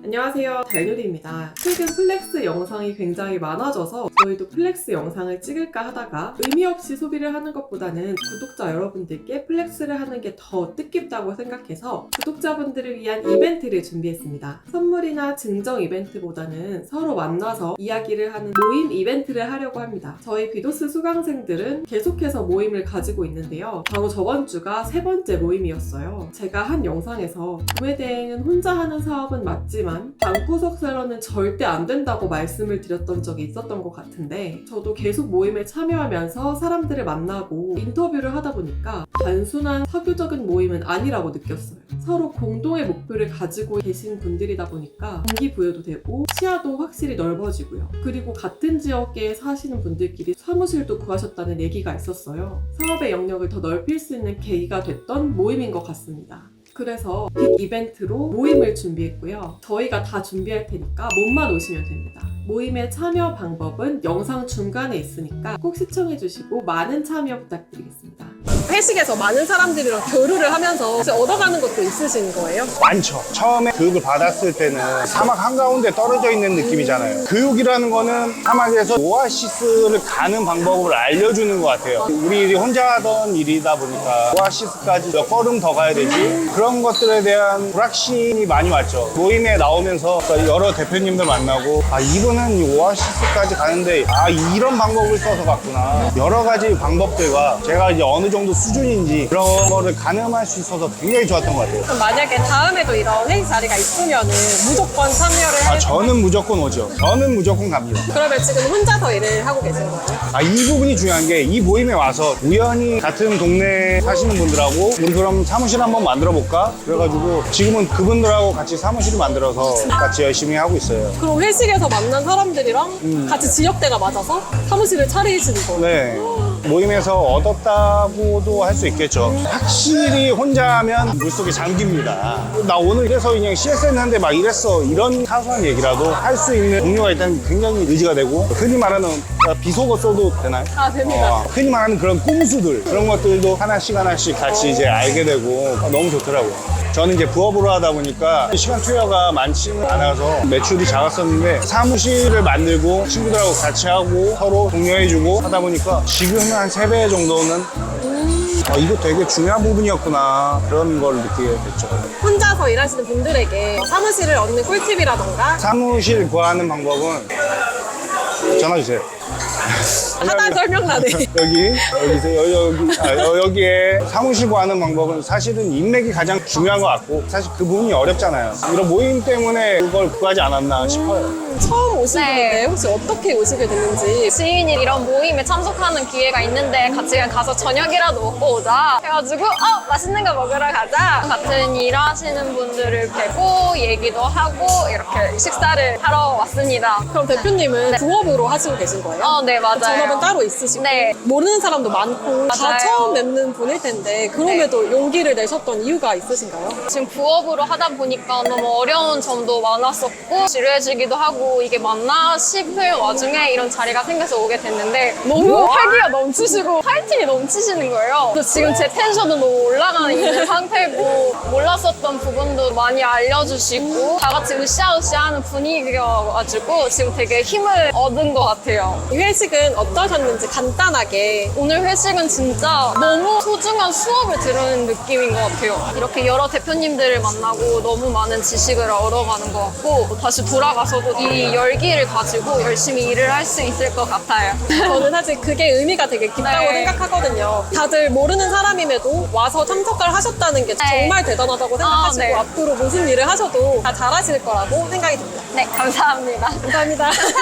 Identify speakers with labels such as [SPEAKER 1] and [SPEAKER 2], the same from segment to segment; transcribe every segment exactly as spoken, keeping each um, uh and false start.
[SPEAKER 1] 안녕하세요, 달누리입니다. 최근 플렉스 영상이 굉장히 많아져서 저희도 플렉스 영상을 찍을까 하다가 의미 없이 소비를 하는 것보다는 구독자 여러분들께 플렉스를 하는 게 더 뜻깊다고 생각해서 구독자분들을 위한 이벤트를 준비했습니다. 선물이나 증정 이벤트보다는 서로 만나서 이야기를 하는 모임 이벤트를 하려고 합니다. 저희 비도스 수강생들은 계속해서 모임을 가지고 있는데요. 바로 저번 주가 세 번째 모임이었어요. 제가 한 영상에서 구매대행은 혼자 하는 사업은 맞지만 방구석쇠로는 절대 안 된다고 말씀을 드렸던 적이 있었던 것 같은데, 저도 계속 모임에 참여하면서 사람들을 만나고 인터뷰를 하다 보니까 단순한 사교적인 모임은 아니라고 느꼈어요. 서로 공동의 목표를 가지고 계신 분들이다 보니까 동기부여도 되고 시야도 확실히 넓어지고요. 그리고 같은 지역에 사시는 분들끼리 사무실도 구하셨다는 얘기가 있었어요. 사업의 영역을 더 넓힐 수 있는 계기가 됐던 모임인 것 같습니다. 그래서 빅 이벤트로 모임을 준비했고요. 저희가 다 준비할 테니까 몸만 오시면 됩니다. 모임의 참여 방법은 영상 중간에 있으니까 꼭 시청해주시고 많은 참여 부탁드리겠습니다.
[SPEAKER 2] 회식에서 많은 사람들이랑 교류를 하면서 혹시 얻어가는 것도 있으신 거예요?
[SPEAKER 3] 많죠. 처음에 교육을 받았을 때는 사막 한가운데 떨어져 있는 느낌이잖아요. 교육이라는 거는 사막에서 오아시스를 가는 방법을 알려주는 것 같아요. 우리 혼자 하던 일이다 보니까 오아시스까지 몇 걸음 더 가야 되지? 그런 것들에 대한 불확신이 많이 왔죠. 모임에 나오면서 여러 대표님들 만나고, 아, 이분은 이 오아시스까지 가는데 아, 이런 방법을 써서 갔구나. 여러 가지 방법들과 제가 이제 어느 정도 수준인지 그런 거를 가늠할 수 있어서 굉장히 좋았던 것 같아요.
[SPEAKER 2] 그럼 만약에 다음에도 이런 회의 자리가 있으면은 무조건 참여를
[SPEAKER 3] 아,
[SPEAKER 2] 해.
[SPEAKER 3] 저는 무조건 오죠. 저는 무조건 갑니다.
[SPEAKER 2] 그러면 지금 혼자서 일을 하고 계신 거예요?
[SPEAKER 3] 아, 이 부분이 중요한 게, 이 모임에 와서 우연히 같은 동네에 사시는 분들하고 우리 그럼 사무실 한번 만들어 볼까? 그래가지고 지금은 그분들하고 같이 사무실을 만들어서 같이 열심히 하고 있어요.
[SPEAKER 2] 그럼 회식에서 만난 사람들이랑 같이 지역대가 맞아서 사무실을 차리시는 거예요?
[SPEAKER 3] 네. 모임에서 얻었다고도 할 수 있겠죠. 확실히 혼자 하면 물속에 잠깁니다. 나 오늘 이래서 그냥 씨에스엔 하는데 막 이랬어, 이런 사소한 얘기라도 할 수 있는 동료가 일단 굉장히 의지가 되고, 흔히 말하는 비속어 써도 되나요?
[SPEAKER 2] 아, 됩니다.
[SPEAKER 3] 어, 흔히 말하는 그런 꼼수들, 그런 것들도 하나씩 하나씩 같이 이제 알게 되고 너무 좋더라고요. 저는 이제 부업으로 하다 보니까 시간 투여가 많지는 않아서 매출이 작았었는데, 사무실을 만들고 친구들하고 같이 하고 서로 독려해주고 하다 보니까 지금은 한 세 배 정도는 아, 이거 되게 중요한 부분이었구나, 그런 걸 느끼게 됐죠.
[SPEAKER 2] 혼자서 일하시는 분들에게 사무실을 얻는 꿀팁이라던가
[SPEAKER 3] 사무실 구하는 방법은 전화 주세요.
[SPEAKER 2] 하다 설명란에
[SPEAKER 3] 여기, 여기서, 여기, 여기, 아, 여- 여기에 사무실 구하는 방법은 사실은 인맥이 가장 중요한 것 같고, 사실 그 부분이 어렵잖아요. 이런 모임 때문에 그걸 구하지 않았나 싶어요.
[SPEAKER 2] 처음 오신
[SPEAKER 4] 네.
[SPEAKER 2] 분인데 혹시 어떻게 오시게 됐는지.
[SPEAKER 4] 지인이 이런 모임에 참석하는 기회가 있는데 같이 그냥 가서 저녁이라도 먹고 오자 해가지고 어 맛있는 거 먹으러 가자, 같은 일하시는 분들을 뵈고 얘기도 하고 이렇게 식사를 하러 왔습니다.
[SPEAKER 2] 그럼 대표님은
[SPEAKER 4] 네.
[SPEAKER 2] 부업으로 하시고 계신 거예요?
[SPEAKER 4] 어, 네, 맞아요.
[SPEAKER 2] 전업은 따로 있으시고
[SPEAKER 4] 네.
[SPEAKER 2] 모르는 사람도 많고 다
[SPEAKER 4] 맞아요.
[SPEAKER 2] 처음 뵙는 분일 텐데, 그럼에도 용기를 내셨던 이유가 있으신가요?
[SPEAKER 4] 지금 부업으로 하다 보니까 너무 어려운 점도 많았었고 지루해지기도 하고 이게 맞나 싶을 와중에 이런 자리가 생겨서 오게 됐는데 너무 활기가 넘치시고 파이팅이 넘치시는 거예요. 그래서 지금 제 텐션도 너무 올라가 있는 상태고, 몰랐었던 부분도 많이 알려주시고 다 같이 으쌰으쌰하는 분위기여가지고 지금 되게 힘을 얻은 것 같아요.
[SPEAKER 2] 이 회식은 어떠셨는지 간단하게.
[SPEAKER 4] 오늘 회식은 진짜 너무 소중한 수업을 들은 느낌인 것 같아요. 이렇게 여러 대표님들을 만나고 너무 많은 지식을 얻어가는 것 같고, 다시 돌아가서도 이 열기를 가지고 열심히 일을 할 수 있을 것 같아요.
[SPEAKER 2] 저는 사실 그게 의미가 되게 깊다고
[SPEAKER 4] 네.
[SPEAKER 2] 생각하거든요. 다들 모르는 사람임에도 와서 참석을 하셨다는 게
[SPEAKER 4] 네.
[SPEAKER 2] 정말 대단하다고 생각하시고
[SPEAKER 4] 아, 네.
[SPEAKER 2] 앞으로 무슨 일을 하셔도 다 잘하실 거라고 생각이 듭니다.
[SPEAKER 4] 네, 감사합니다.
[SPEAKER 2] 감사합니다.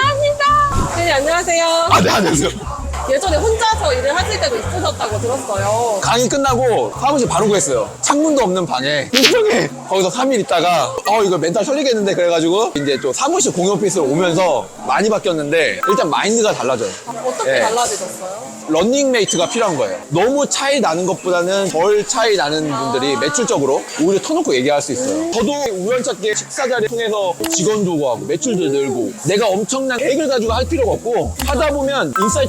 [SPEAKER 4] 감사합니다.
[SPEAKER 2] 네, 안녕하세요.
[SPEAKER 5] 아, 네, 안녕하세요.
[SPEAKER 2] 예전에 혼자서 일을 하실 때도 있으셨다고 들었어요.
[SPEAKER 5] 강의 끝나고 사무실 바로 구했어요. 창문도 없는 방에 일정에 거기서 삼 일 있다가 어 이거 멘탈 설리겠는데 그래가지고 이제 또 사무실 공유 오피스로 오면서 많이 바뀌었는데, 일단 마인드가 달라져요.
[SPEAKER 2] 어떻게
[SPEAKER 5] 네.
[SPEAKER 2] 달라지셨어요?
[SPEAKER 5] 런닝메이트가 필요한 거예요. 너무 차이 나는 것보다는 덜 차이 나는 분들이 매출적으로 오히려 터놓고 얘기할 수 있어요. 저도 우연찮게 식사 자리 통해서 직원도 구하고 매출도 늘고, 내가 엄청난 계획을 가지고 할 필요가 없고 하다 보면 인사이트가 되는 거예요.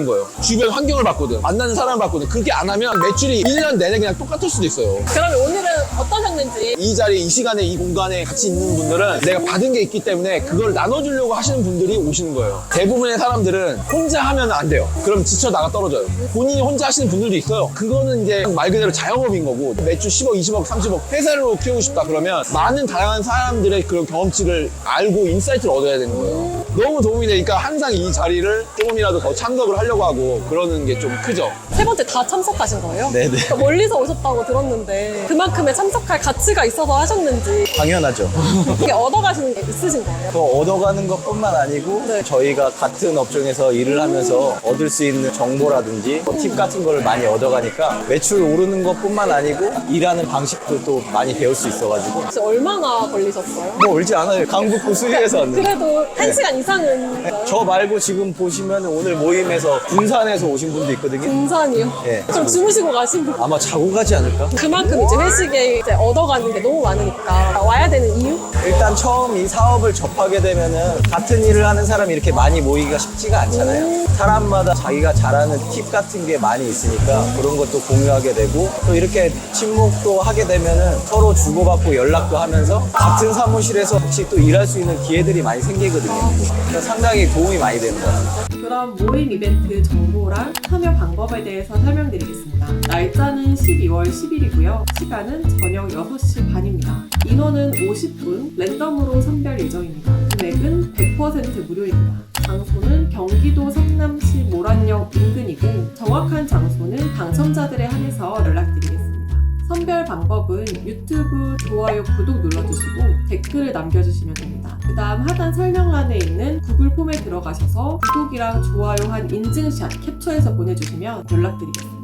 [SPEAKER 5] 거예요. 주변 환경을 봤거든. 만나는 사람을 봤거든. 그렇게 안 하면 매출이 일 년 내내 그냥 똑같을 수도 있어요.
[SPEAKER 2] 그러면 오늘은 어떠셨는지.
[SPEAKER 5] 이 자리, 이 시간에, 이 공간에 같이 있는 분들은 내가 받은 게 있기 때문에 그걸 나눠주려고 하시는 분들이 오시는 거예요. 대부분의 사람들은 혼자 하면 안 돼요. 그럼 지쳐 나가 떨어져요. 본인이 혼자 하시는 분들도 있어요. 그거는 이제 말 그대로 자영업인 거고, 매출 십억, 이십억, 삼십억 회사로 키우고 싶다 그러면 많은 다양한 사람들의 그런 경험치를 알고 인사이트를 얻어야 되는 거예요. 너무 도움이 되니까 항상 이 자리를 조금이라도 더 참석을 하려고 하고 그러는 게 좀 크죠.
[SPEAKER 2] 세 번째 다 참석하신 거예요?
[SPEAKER 6] 네네.
[SPEAKER 2] 그러니까 멀리서 오셨다고 들었는데 그만큼의 참석할 가치가 있어서 하셨는지
[SPEAKER 6] 당연하죠.
[SPEAKER 2] 이게 얻어가시는 게 있으신 거예요?
[SPEAKER 6] 더 얻어가는 것뿐만 아니고
[SPEAKER 2] 네.
[SPEAKER 6] 저희가 같은 업종에서 일을 하면서 얻을 수 있는 정보라든지 뭐팁 같은 걸 많이 얻어가니까 매출 오르는 것뿐만 아니고 일하는 방식도 또 많이 배울 수 있어가지고
[SPEAKER 2] 혹시 얼마나 걸리셨어요?
[SPEAKER 6] 뭐 울지 않아요. 강북구 수리에서 왔는데.
[SPEAKER 2] 그래도 한 시간 이상은
[SPEAKER 6] 네, 저 말고 지금 보시면 오늘 모임에서 군산에서 오신 분도 있거든요.
[SPEAKER 2] 등산이요?
[SPEAKER 6] 네.
[SPEAKER 2] 그럼 주무시고 가신 분
[SPEAKER 6] 아마 자고 가지 않을까?
[SPEAKER 2] 그만큼 이제 회식에 이제 얻어가는 게 너무 많으니까 와야 되는 이유?
[SPEAKER 6] 일단 처음 이 사업을 접하게 되면은 같은 일을 하는 사람이 이렇게 많이 모이기가 쉽지가 않잖아요. 사람마다 자기가 잘하는 팁 같은 게 많이 있으니까 그런 것도 공유하게 되고 또 이렇게 친목도 하게 되면은 서로 주고받고 연락도 하면서 같은 사무실에서 같이 또 일할 수 있는 기회들이 많이 생기거든요. 그래서 상당히 도움이 많이 되는 것 같아요.
[SPEAKER 1] 그럼 모임 이벤트 정보랑 참여 방법에 대해서 설명드리겠습니다. 날짜는 십이월 십일이고요. 시간은 저녁 여섯 시 반입니다. 인원은 오십 분, 랜덤으로 선별 예정입니다. 금액은 백 퍼센트 무료입니다. 장소는 경기도 성남시 모란역 인근이고 정확한 장소는 당첨자들에 한해서 연락드리겠습니다. 선별 방법은 유튜브 좋아요, 구독 눌러주시고 댓글을 남겨주시면 됩니다. 그 다음 하단 설명란에 있는 구글 폼에 들어가셔서 구독이랑 좋아요 한 인증샷 캡처해서 보내주시면 연락드리겠습니다.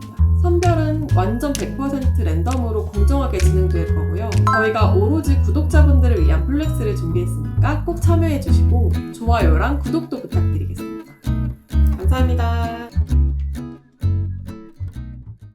[SPEAKER 1] 선별은 완전 백 퍼센트 랜덤으로 공정하게 진행될 거고요. 저희가 오로지 구독자분들을 위한 플렉스를 준비했으니까 꼭 참여해주시고 좋아요랑 구독도 부탁드리겠습니다. 감사합니다.